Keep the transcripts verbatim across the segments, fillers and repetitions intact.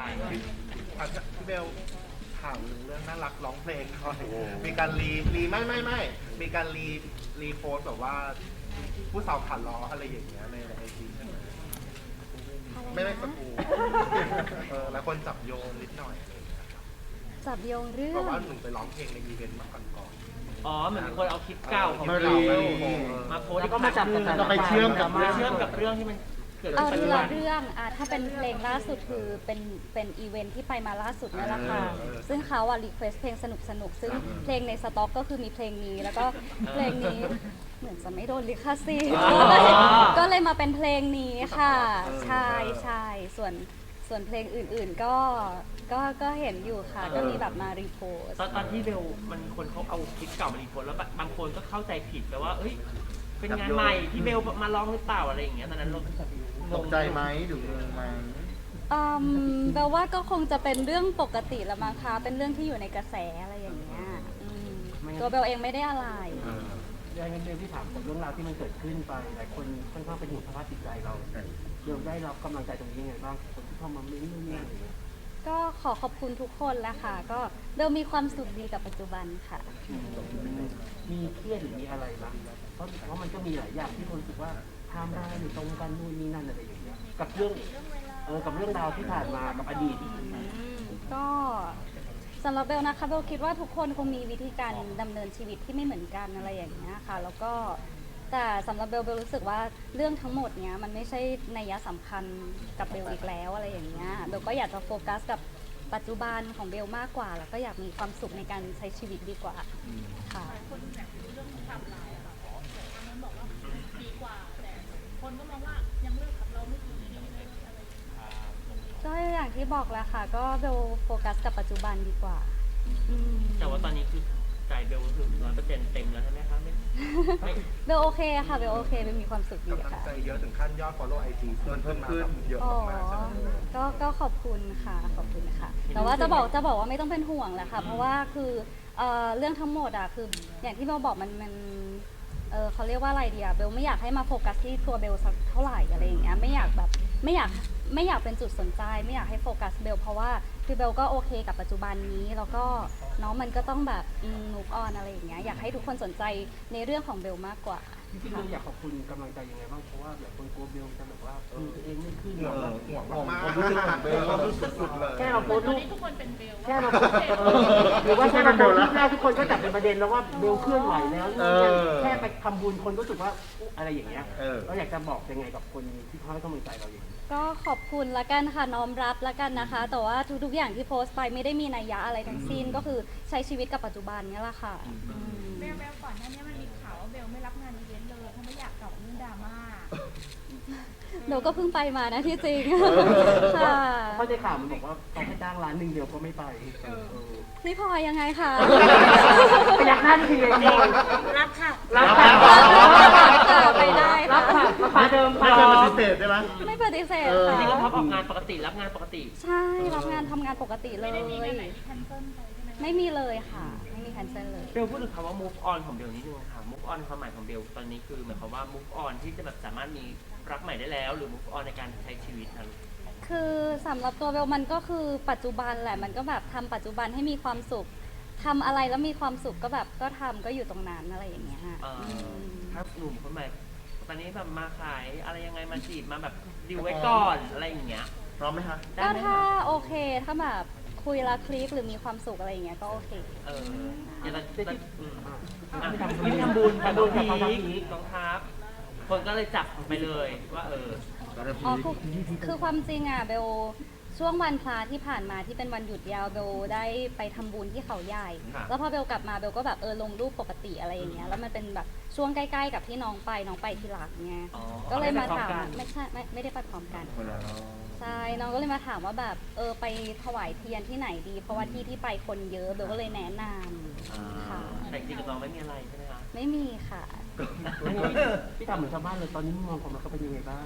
พี่เบลถามเรื่องน่ารักร้องเพลงหน่อยมีการรีรีไม่ไม่ไม่มีการรีรีโพสแบบว่าผู้สาวขาล้ออะไรอย่างเงี้ยในไอจีใช่ไหมไม่ไม่สกูเออแล้วคนจับโยงนิดหน่อยจับโยงเรื่อบงอกว่าหนูไปร้องเพลงในอีเวนต์มาก่อนก่อนอ๋อเหมือนมีคนเอาคลิปเก่าของมาเรารีมาโพสต์แล้วก็มาจับกันก็ไปเชื่อมกับเชื่อมกับเรื่องที่มันเกิดเอาขึ้นปัจทีจุบัละนเรื่องอ่ะถ้าเป็นเพลงล่าสุดคือเป็นเป็นอีเวนท์ที่ไปมาล่าสุดนั่นแหละค่ะซึ่งเขาอ่ะรีเควสเพลงสนุกสนุกซึ่งเพลงในสต็อกก็คือมีเพลงนี้แล้วก็เพลงนี้เหมือนจะไม่โดนลิขสิทธิ์ก็เลยก็เลยมาเป็นเพลงนี้ค่ะใช่ใช่ส่วนส่วนเพลงอื่นๆก็ก็ก็เห็นอยู่ค่ะก็มีแบบมารีโพสตอนตอนที่เบลมันมีคนเขาเอาคลิปเก่ามารีโพสต์แล้วบางคนก็เข้าใจผิดแปลว่าเอ้ยเป็นงานใหม่ที่เบลมาร้องหรือเปล่าอะไรอย่างเงี้ยตอนนั้นเราตกใจไหมหรืองงไหมอืมแปลว่าก็คงจะเป็นเรื่องปกติละมั้งคะเป็นเรื่องที่อยู่ในกระแสอะไรอย่างเงี้ยอืมตัวเบลเองไม่ได้อะไรยังไงเรื่องที่ถามกับเรื่องราวที่มันเกิดขึ้นไปหลายคนค่อนข้างเป็นห่วงสภาพจิตใจเราเดี๋ยวได้รับกำลังใจตรงนี้ยังไงบ้างคนที่เข้ามาเม้นต์นู่นนี่อะไรอย่างเงี้ยก็ขอขอบคุณทุกคนแหละค่ะ ก็เบลมีความสุขดีกับปัจจุบันค่ะมีเครียดหรือมีอะไรบ้างเพราะเพราะมันก็มีหลายอย่างที่คนรู้สึกว่าไทม์ไลน์หรือตรงกันนู่นนี่นั่นอะไรอย่างเงี้ยกับเรื่องเออกับเรื่องราวที่ผ่านมากับอดีตก็สำหรับเบลนะคะเบลคิดว่าทุกคนคงมีวิธีการดำเนินชีวิตที่ไม่เหมือนกันอะไรอย่างเงี้ยค่ะ แล้วก็แต่สำหรับเบลเบลรู้สึกว่าเรื่องทั้งหมดเนี้ยมันไม่ใช่นัยสำคัญกับเบลอีกแล้วอะไรอย่างเงี้ยเบลก็อยากจะโฟกัสกับปัจจุบันของเบลมากกว่า แล้วก็อยากมีความสุขในการใช้ชีวิตดีกว่าค่ะคนแบบเรื่องทำลายอะค่ะทางนั้นบอกว่าดีกว่าแต่คนก็มองว่ายังเลิกกับเราไม่ดีอะไรก็อย่างที่บอกแหละค่ะ ก็เบลโฟกัสกับปัจจุบันดีกว่าแต่ว่าตอนนี้คือใจเบลคือร้อยเปอร์เซ็นต์เต็มแล้วใช่ไหมคะไม่ไม่เบลโอเคค่ะเบลโอเคเบลมีความสุขดีกำลังค่ะใจเยอะถึงขั้นยอด follow ไอจีเพิ่มขึ้นมาแบบเยอะอ๋อมากๆใช่ไหมก็ก็ขอบคุณค่ะขอบคุณค่ะ แต่ว่าจะบอกจะบอกว่าไม่ต้องเป็นห่วงแหละค่ะ เพราะว่าคือเอ่อเรื่องทั้งหมดอ่ะคืออย่างที่เบลบอกมันมันเออเขาเรียกว่าอะไรดีอะเบลไม่อยากให้มาโฟกัสที่ตัวเบลสักเท่าไหร่อะไรอย่างเงี้ยไม่อยากแบบไม่อยากไม่อยากเป็นจุดสนใจ ไม่อยากให้โฟกัสเบลเพราะว่าคือเบลก็โอเคกับปัจจุบันนี้แล้วก็เนาะมันก็ต้องแบบมูฟออนอะไรอย่างเงี้ยอยากให้ทุกคนสนใจในเรื่องของเบลมากกว่าจริงๆเราอยากขอบคุณกำลังใจยังไงบ้างเพราะว่าหลายคนกลัวเบลจะแบบว่าดูตัวเองไม่ขึ้นห่วงแล้วห่วงมากๆความรู้สึกของเบลความรู้สึกสุดเลยแค่เราโพสต์รูปทุกคนเป็นเบลแค่เราโพสต์หรือว่าแค่เราโพสต์รูปแรกทุกคนก็จับเป็นประเด็นแล้วว่าเบลเคลื่อนไหวแล้วแค่ไปทำบุญคนก็รู้สึกว่าอะไรอย่างเงี้ยเราอยากจะบอกยังไงกับคนที่เขาให้กำลังใจเราอย่างนี้ก็ขอบคุณละกันค่ะน้อมรับละกันนะคะ แต่ว่าทุกๆอย่างที่โพสต์ไปไม่ได้มีนัยยะอะไรทั้งสิ้นก็คือใช้ชีวิตกับปัจจุบันนี่แหละค่ะเบลเบลก่อนหน้านี้มันมีข่าวว่าเบลไม่รับงานอีเวนต์เลยเพราะไม่อยากตอบเรื่องดราม่าเบลก็เพิ่งไปมานะที่จริงค่ะเพราะในข่าวมันบอกว่าเขาให้จ้างร้านหนึ่งเดียวก็ไม่ไปพี่พลอยยังไงคะพยักหน้าทีเดียวรับค่ะรับค่ะค่ะไปได้รัค่ะบค่ะมาเดิมไม่เคยปฏิเสธได้ไหมไม่ปฏิเสธจค่ะริงๆก็พับออกงานปกติรับงานปกติใช่รับงานทำงานปกติเลไม่ยได้มีงานไหนที่แคนเซิลไปใช่ไหมไม่มีเลยค่ะ ไม่มีแคนเซิลเลยเบลพูดถึงคำว่า move on ของเบลนิดนึงค่ะ move on ความหมายของเบลตอนนี้คือหมายความว่า move on ที่จะแบบสามารถมีรักใหม่ได้แล้ว หรือ move on ในการใช้ชีวิตนะลูกคือสำหรับตัวเบลมันก็คือปัจจุบันแหละมันก็แบบทำปัจจุบันให้มีความสุขทำอะไรแล้วมีความสุขก็แบบก็ทำก็อยู่ตรงนั้นอะไรอย่างเงี้ยเอ่ออืมถ้าหนุ่มคนใหม่ตอนนี้แบบมาขายอะไรยังไงมาจีบมาแบบดิวไว้ก่อนอะไรอย่างเงี้ยพร้อมไหมคะได้ก็ไหมถ้าโอเคถ้าแบบคุยและคลิกหรือมีความสุขอะไรอย่างเงี้ยก็โอเคเออเดี๋ยวเราจะอืมอ่ะอ่ะทำบุญไม่ทำบุญทำบุญกับพีเขาทำคพีคกองทัพคนก็เลยจับไปเลยว่าเอออ๋อคือคือความจริงอ่ะเบลช่วงวันพระที่ผ่านมาที่เป็นวันหยุดยาวเบลได้ไปทำบุญที่เขาใหญ่ครับแล้วพอเบลกลับมาเบลก็แบบเออลงรูปปกติอะไรอย่างเงี้ยแล้วมันเป็นแบบช่วงใกล้ๆกับที่น้องไปน้องไปที่หลักไงอ๋อก็เลยมาถามเอไปพร้อกันไม่ใช่ไม่ไม่ได้ไปพร้อมกันคนละรอบใช่น้องก็เลยมาถามว่าแบบเออไปถวายเทียนที่ไหนดี เพราะว่าที่ที่ไปคนเยอะเบลก็เลยแนะนำค่ะแต่จริงๆกับน้องไม่มีอะไรใช่ไหมคะไม่มีค่ะพี่ทำเหมือนชาวบ้านเลยตอนนี้มุมมองความรักเขาเป็นยังไงบ้าง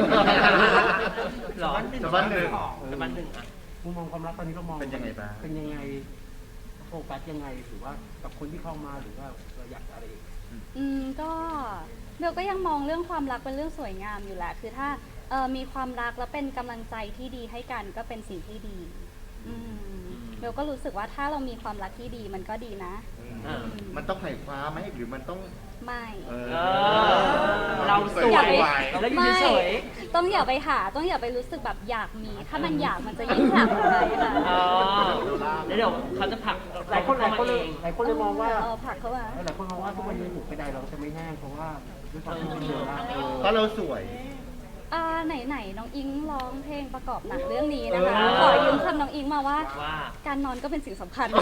หรอชาวบ้านหนึ่งชาวบ้านหนึ่งอ่ะมุมมองความรักตอนนี้เรามองเป็นยังไงบ้างเป็นยังไงโฟกัสยังไงหรือว่ากับคนที่เข้ามาหรือว่าเราอยากอะไรอีกอืมก็เบลก็ยังมองเรื่องความรักเป็นเรื่องสวยงามอยู่แหละ คือถ้าเอ่อมีความรักและเป็นกำลังใจที่ดีให้กันก็เป็นสิ่งที่ดีอืมเบลก็รู้สึกว่าถ้าเรามีความรักที่ดีมันก็ดีนะเออมันต้องไขว่คว้าไหมหรือมันต้องไม่เออเออเราสวยอย่าไปแล้วอยู่ไม่เฉยต้องอย่าไปหาต้องอย่าไปรู้สึกแบบอยากมี ถ้ามันอยากมันจะยิ่งผลักไปค่ะๆอ๋อแล้วเดี๋ยวเขาจะผลักหลายคนหลายคนเลยเองหลายคนเลยมองว่าเออผลักเข้ามาหลายคนมองว่าทุกวันนี้หูกระไดเราจะไม่แห้งเพราะว่าด้วยความที่เป็นเบลล่าเออเพราะเราสวยอ่าไหนๆน้องอิงร้องเพลงประกอบหนังเรื่องนี้นะคะเออขอยืมคำน้องอิงมาว่าว่าการนอนก็เป็นสิ่งสำคัญ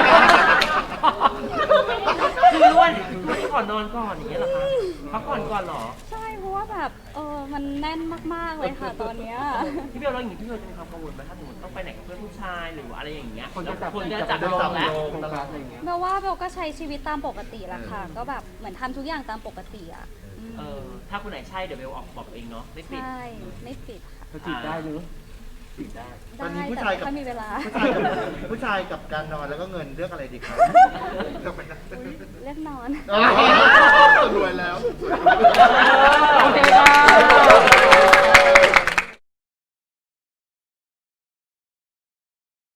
คือล้วนล้วนก่อนนอนก่อนอย่างเงี้ยเหรอคะพักก่อนก่อนเหรอใช่เพราะว่าแบบเออมันแน่นมากๆเลยค่ะตอนเนี้ยพี่เบลเราอย่างนี้พี่เบลจะมีความกังวลไหมถ้าสมมติต้องไปไหนกับเพื่อนผู้ชายหรืออะไรอย่างเงี้ยคนจะจับคนจะจับจับโยงแล้วโยงโฟกัสอะไรอย่างเงี้ยเบลว่าเบลก็ใช้ชีวิตตามปกติแหละค่ะ ก็แบบเหมือนทำทุกอย่างตามปกติอ่ะอืมเออถ้าคนไหนใช่เดี๋ยวเบลออกบอกเองเนาะไม่ปิดใช่ไม่ปิดค่ะเขาจีบได้หรือจีบได้ตอนนี้ได้ผู้แต่ชายไม่กับค่อยมีเวลาผู้ชายกับผู้ชายกับการนอนแล้วก็เงินเลือกอะไรดีครับเลือกไปนะเลือกนอนอ๋อ